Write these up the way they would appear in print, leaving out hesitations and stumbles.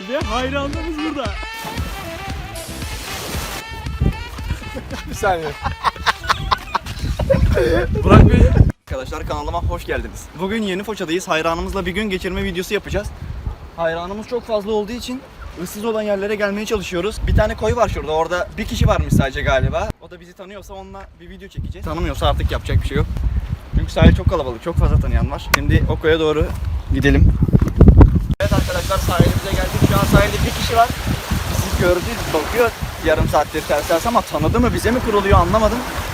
Ve hayranlarımız burada. Bir saniye. Burak Bey. Arkadaşlar kanalıma hoş geldiniz. Bugün Yeni Foça'dayız. Hayranımızla bir gün geçirme videosu yapacağız. Hayranımız çok fazla olduğu için ıssız olan yerlere gelmeye çalışıyoruz. Bir tane koy var şurada. Orada bir kişi varmış sadece galiba. O da bizi tanıyorsa onunla bir video çekeceğiz. Tanımıyorsa artık yapacak bir şey yok. Çünkü sahil çok kalabalık. Çok fazla tanıyan var. Şimdi o koya doğru gidelim. Evet arkadaşlar, sahilimize geldik. Şu an sahilde bir kişi var. Siz gördünüz, bakıyor yarım saattir ters ama tanıdı mı, bize mi kuruluyor anlamadım.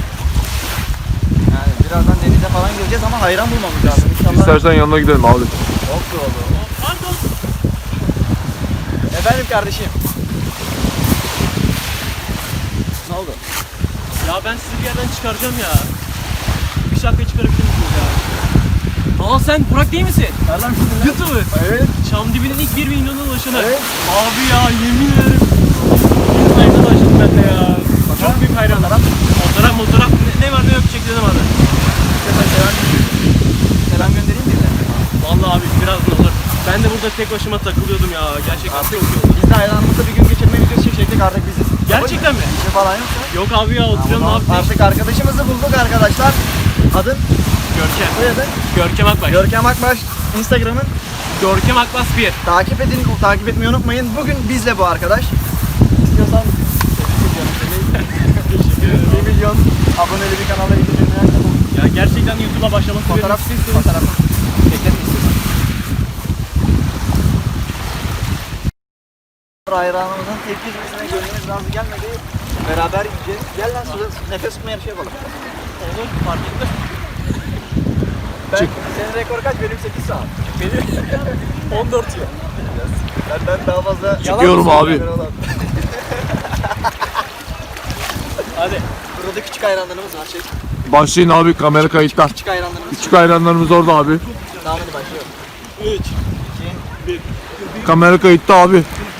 Yani birazdan denize falan gireceğiz ama hayran bulmamız lazım. İnşallah... İstersen yanına gidelim abi. Çok doğru. Pardon. Efendim kardeşim. Ne oldu? Ya ben sizi bir yerden çıkaracağım ya. Bir şapkayı çıkarabilir misiniz ya? Aa sen Burak değil misin? Nereden bildin lan? YouTuber. Evet. Çamdibi'nin ilk 1 milyona ulaşanı. Evet. Abi ya yemin ederim. Bir sayfada başladım ben de ya. Çok büyük hayranlar. Fotoğraf ne var ne yok çekilelim abi. Selam göndereyim mi? Vallahi abi birazdan olur. Ben de burada tek başıma takılıyordum ya. Gerçekten çok iyi oldu. Biz de hayranımızla bir gün geçirme videosu çekecektik, artık biziz. Gerçekten mi? Bir şey falan yoksa. Yok abi ya oturuyorum ne yapayım? Artık arkadaşımızı bulduk arkadaşlar. Adın? Görkem. Soyadın? Görkem Akbaş. Görkem Akbaş. Instagram'ın. Görkem Akbaş 1. Takip edin, takip etmeyi unutmayın. Bugün bizle bu arkadaş. İstiyorsan Teşekkür ederim. 1 milyon aboneli bir kanala gideceğim. Ya gerçekten YouTube'a başlamak Fotoğraf istiyorsanız. fotoğraf. Çekelim istiyorsan. Hayranımızın tepkisine gönlümüz razı gelmedi. Beraber gideceğiz. Gel lan suda nefes tutma yarışı yapalım. Olur fark etmez. Senin rekor kaç? Benim 8 saat. Benim 14 yıl. Benden daha fazla. Çıkıyorum abi. Hadi. Burada küçük hayranlarımız var. Başlayın abi, kamera kayıtta. Küçük hayranlarımız. Küçük hayranlarımız orada abi. Tamam hadi başlıyorum. 3. Kamera kayıtta abi.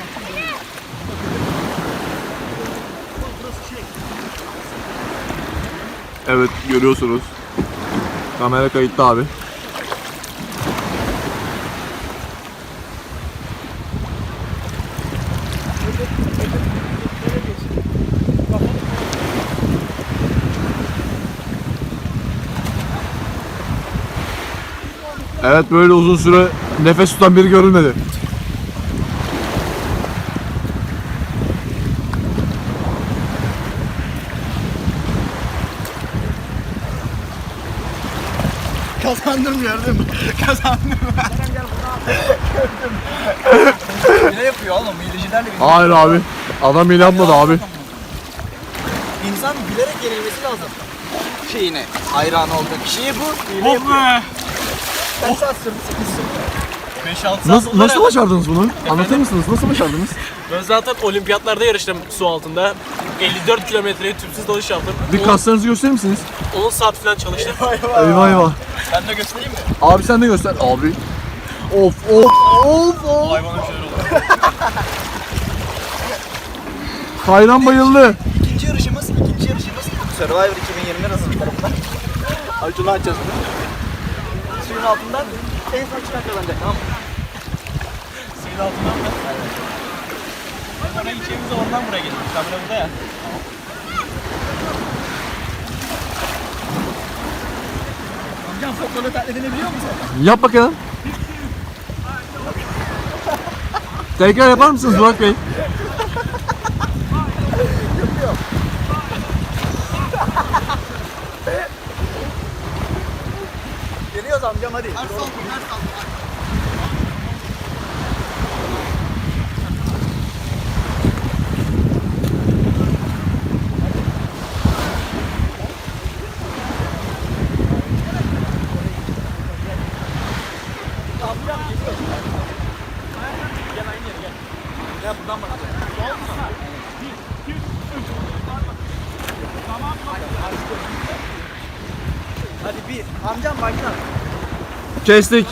Evet, görüyorsunuz. Kamera kayıtta abi. Evet, böyle uzun süre nefes tutan biri görülmedi. Kazandım, gördün mü? Kazandım. Ne yapıyor oğlum? Hilecilerle bir... Hayır abi. Adam bile yapmadı abi. İnsan bilerek yenilmesi lazım. Şeyine, hayran olduğu kişiye bu. Oh be. Kaç saat sürdü? 5-6 saat Nasıl başardınız bunu? Anlatır mısınız? Nasıl başardınız? Ben zaten olimpiyatlarda yarıştım su altında. 54 kilometreye tüpsüz dalış yaptım. Bir kaslarınızı gösterir misiniz? 10 saat falan çalıştım. Eyvah eyvah. Ben de göstereyim mi? Abi sen de göster. Abi. Of of of of. Hayvanın şeyler oldu. Hayran bayıldı. İkinci yarışımız Survivor 2020 hazırlıklarında. Acun'u açacağız bunu. Suyun altından en son çıkan kazanacak, tamam mı? Suyun altından mı? Evet. Ben oraya gideceğimizde oradan buraya geldim. Kamera burada ya. Amcam futbolu taklit edebiliyor musun? Yap bakalım. Tekrar yapar mısınız Burak Bey? Geliyoruz amcam, hadi. Gel buradan bak. Hadi bir. Amcam başla. Kestik.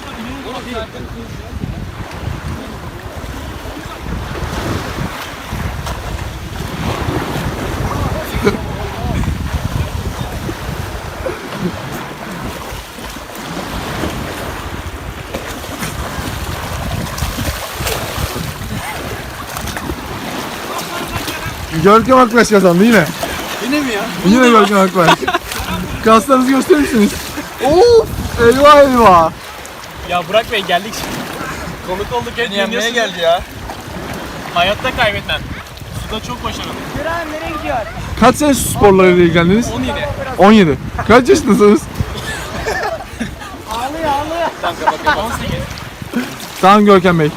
Görkem Akbaş kazandı yine. Yine mi ya? Yine Görkem Akbaş. Kaslarınızı gösterir misiniz? Of! Eyvah eyvah! Ya Burak Bey geldik. Konuk olduk hep Yenmeye dinliyorsunuz. geldi ya. Hayatta kaybetmem. Suda çok başarılı. Kaç sene su sporlarıyla ilgilendiniz? 17. 17. Kaç yaşındasınız? Tamam kapatıyorum. 18. Tamam Görkem Bey.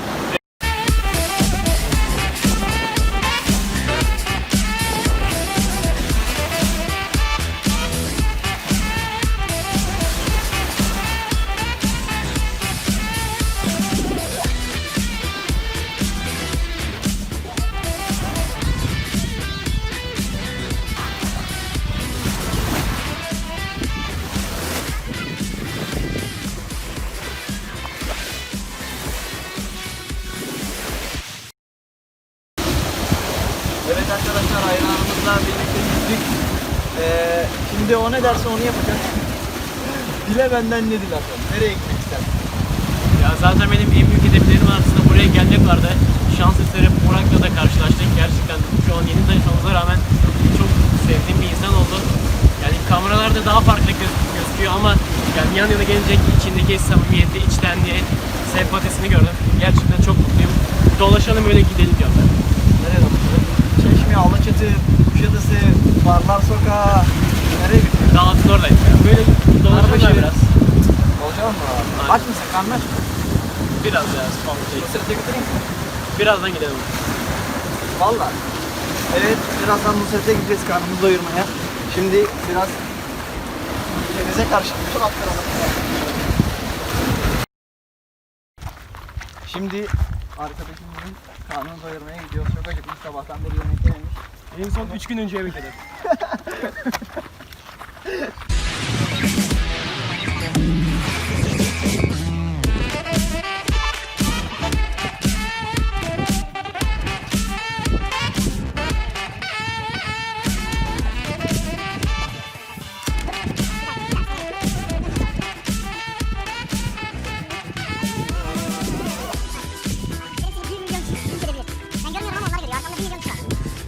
Evet arkadaşlar, hayranımızla birlikte gittik. Şimdi o ne derse onu yapacağız. Dile benden ne dilersen. Nereye gitmek istersin? Ya zaten benim en büyük hedeflerim arasında buraya gelmek vardı. Şans eseri Burak'la da karşılaştık. Gerçekten şu an yeni tanışmamıza rağmen çok sevdiğim bir insan oldu. Yani kameralarda daha farklı gözüküyor ama yani yan yana gelince içindeki samimiyeti, içtenliği, sempatisini gördüm. Gerçekten çok mutluyum. Dolaşalım öyle gidelim diyorum ben. Nereye dolaşalım? Çeşme, Alaçatı, Kuşadası, Barlar Sokağı. Nereye gidiyorsun? Dağıtın oradayım ya. Böyle dolaşalım Arbaşehir. biraz. Olacak mı? Aynen. Aç mısın? Karnın aç mı? Biraz ya. Spam şey. Sırtı götüreyim mi? Birazdan gidelim. Valla. Evet, birazdan Nusret'e gideceğiz karnımızı doyurmaya. Şimdi biraz denize karşı bütün atlarına. Şimdi arkadaşımızın karnını doyurmaya gidiyoruz. Çok acıkmış, sabahtan beri yemek yememiş. En son 3 gün önce bekledim. Benim 1 milyon kişi kim gelebilir? Ben görmüyorum ama onlar geliyor. Arkamda 1 milyon kişi var.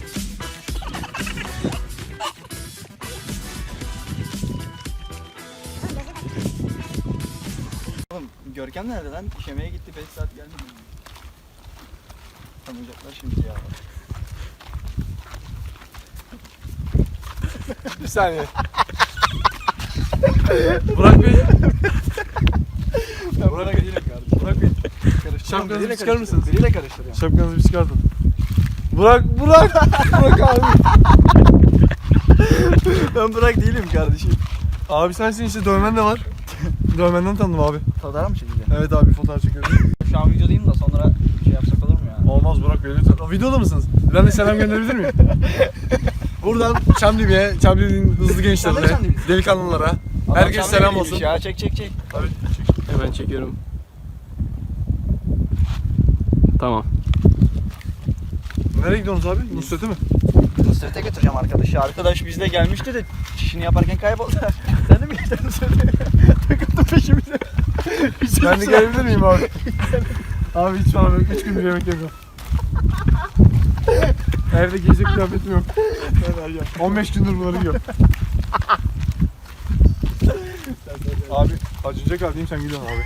Oğlum gözleri bak. Oğlum Görkem nerede lan? İşemeye gitti, 5 saat gelmedi. Tanıyacaklar şimdi ya. Bir saniye. Burak Bey. Burak Bey değilim kardeşim. Burak Bey. Şapkanızı çıkarır mısınız? Biriyle karıştırıyorum. Şapkanızı bir çıkartın. Burak Burak abi. Ben Burak değilim kardeşim. Abi sensin işte dövmen de var. Dövmenden tanıdım abi. Fotoğraf mı çekeceğim? Evet abi fotoğraf çekiyorum. Şu an videodayım da sonra şey yapsak olur mu ya? Olmaz Burak Bey lütfen. Videoda mısınız? Ben de selam gönderebilir miyim? Buradan Çamlıbiya'ya, Çamlıbiya'nın hızlı Sen de gençlerine, Çamlıbiya'sın. delikanlılara, Adam herkese sen selam böyleymiş olsun. Ya çek. Abi, Hemen çekiyorum. Tamam. nereye gidiyorsunuz abi? Nusret'e mi? Nusret'e götüreceğim arkadaşı. Arkadaş bizle gelmişti de çişini yaparken kayboldu. Sen de mi gittin Nusret'e? Takıldı peşimize. Ben de gelebilir miyim abi? Abi hiç falan yok. 3 gündür yemek yemiyorum. Evde giyecek kıyafetim yok. 15 gündür bunları yiyorum. Abi acınacak haldeyim sen gidiyorsun abi.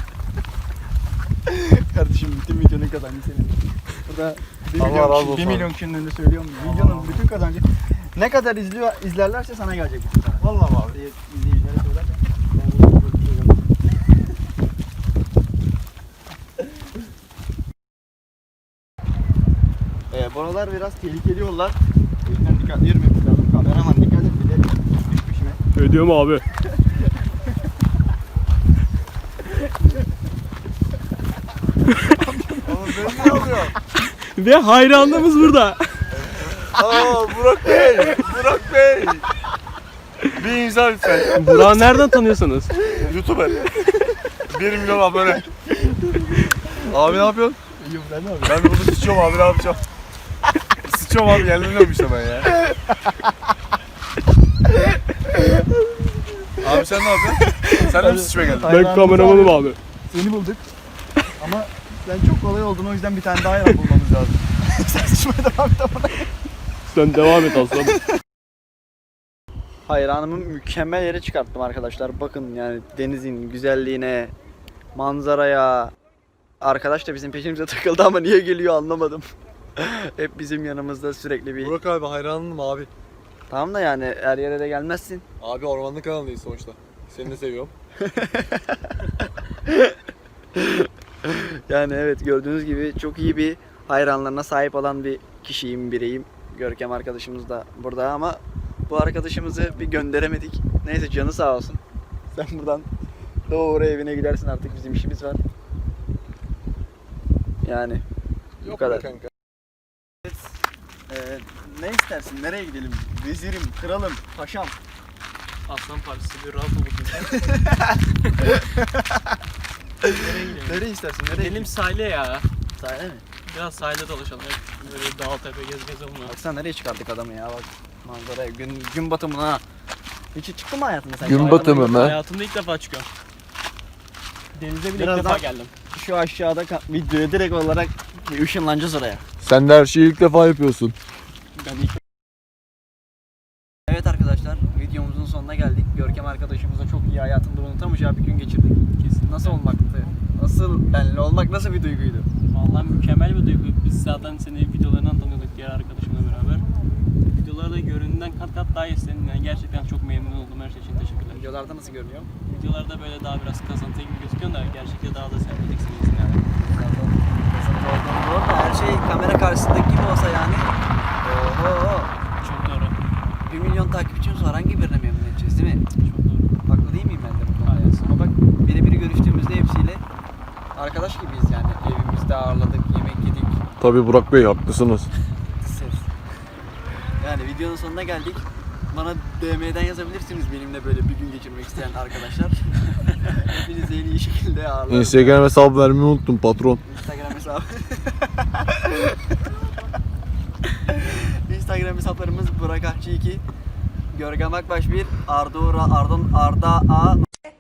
Kardeşim bütün videonun kazancı senin. Burada 1 Allah milyon, razı kişi, olsun 1 abi. milyon kişinin önünde söylüyorum. Videonun bütün kazancı. Ne kadar izlerlerse sana gelecek. Vallahi abi. İzleyicilere söylersen. Buralar biraz tehlikeli yollar. O yüzden dikkatli yürümek lazım. Kameraman dikkat et, bir de düş peşime. Ödüyorum abi. Oğlum benim ne oluyor? Ve hayranlığımız burada. Aa Burak Bey! Burak Bey! Bir imza lütfen. Burak'ı nereden tanıyorsunuz? YouTuber. 1 milyon abone. Abi ne yapıyorsun? İyiyim, ben ne Ben burada sıçıyorum abi ne yapacağım? Sıçıyorum abi yerleniyorum işte ben ya. Abi sen ne yapıyorsun? Sen de mi sıçmaya geldin? Ben kameramanım abi. Seni bulduk. Ama sen çok kolay oldun, o yüzden bir tane daha hayran bulmamız lazım. Sen sıçmaya devam et ama. Sen devam et aslanım. Hayranımı mükemmel yere çıkarttım arkadaşlar. Bakın yani denizin güzelliğine, manzaraya. Arkadaş da bizim peşimize takıldı ama niye geliyor anlamadım. Hep bizim yanımızda sürekli bir... Burak abi hayranım abi. Tamam da yani her yere de gelmezsin. Abi ormanlık kanalındayız sonuçta. Seni de seviyorum. Yani evet gördüğünüz gibi çok iyi bir hayranlarına sahip olan bir kişiyim, bireyim. Görkem arkadaşımız da burada ama bu arkadaşımızı bir gönderemedik. Neyse canı sağ olsun. Sen buradan doğru evine gidersin, artık bizim işimiz var. Yani bu kadar. Kanka. Ne istersin? Nereye gidelim? Vezirim, kralım, paşam. Aslan Partisi bir rahat olun. Nereye gidelim? Nereye istersin? Nereye Gidelim sahile ya. Sahile mi? Biraz sahilde dolaşalım. Hep böyle dağ tepe gez onunla. Baksana nereye çıkardık adamı ya, bak manzaraya, gün batımına. Hiç çıktın mı hayatında sen? Gün batımı mı? Hayatımda ilk defa çıkıyorum. Denize bile ilk Birazdan- defa geldim. Şu aşağıda videoya direkt olarak ışınlanacağız oraya. Sen de her şeyi ilk defa yapıyorsun. Ben ilk Evet arkadaşlar, videomuzun sonuna geldik. Görkem arkadaşımızla çok iyi, hayatında unutamayacağı bir gün geçirdik. kesin. Nasıl olmaktı? Nasıl benle olmak nasıl bir duyguydu? Vallahi mükemmel bir duygu. Biz zaten seni videolarından tanıyorduk diğer arkadaşımla beraber. Videolarda göründüğünden kat kat daha iyisin. Yani gerçekten çok memnun oldum, her şey için teşekkürler. Videolarda nasıl görünüyor? Videolarda böyle daha biraz kasıntı gibi gözüküyor da gerçekten daha da sempatiksin iyisin yani. Doğru da her şey kamera karşısındaki gibi olsa yani. Oho. Çok doğru. 1 milyon takipçimiz var, hangi birine memnun edeceğiz değil mi? Çok doğru. Haklı değil miyim ben de bu konuda? Hayır. Ama bak birebir görüştüğümüzde hepsiyle arkadaş gibiyiz yani. Evimizde ağırladık, yemek yedik. Tabii Burak Bey haklısınız. Ses. Yani videonun sonuna geldik. Bana DM'den yazabilirsiniz benimle böyle bir gün geçirmek isteyen arkadaşlar. Hepinizi en iyi şekilde ağırlarım. Instagram hesabı vermeyi unuttum patron. Instagram hesabı. Instagram hesaplarımız Burak Akçı 2, Görkem Akbaş 1, Arda A.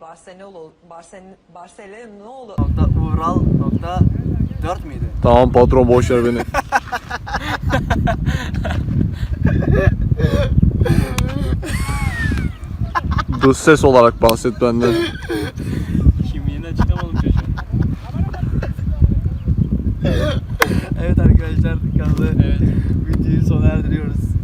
Barcelona Ural. 4 müydü? Tamam patron boş ver beni. Dış ses olarak bahset benden. Kimliğini açıklamadım çocuğa. Evet arkadaşlar, kanalı Evet. videoyu sona erdiriyoruz.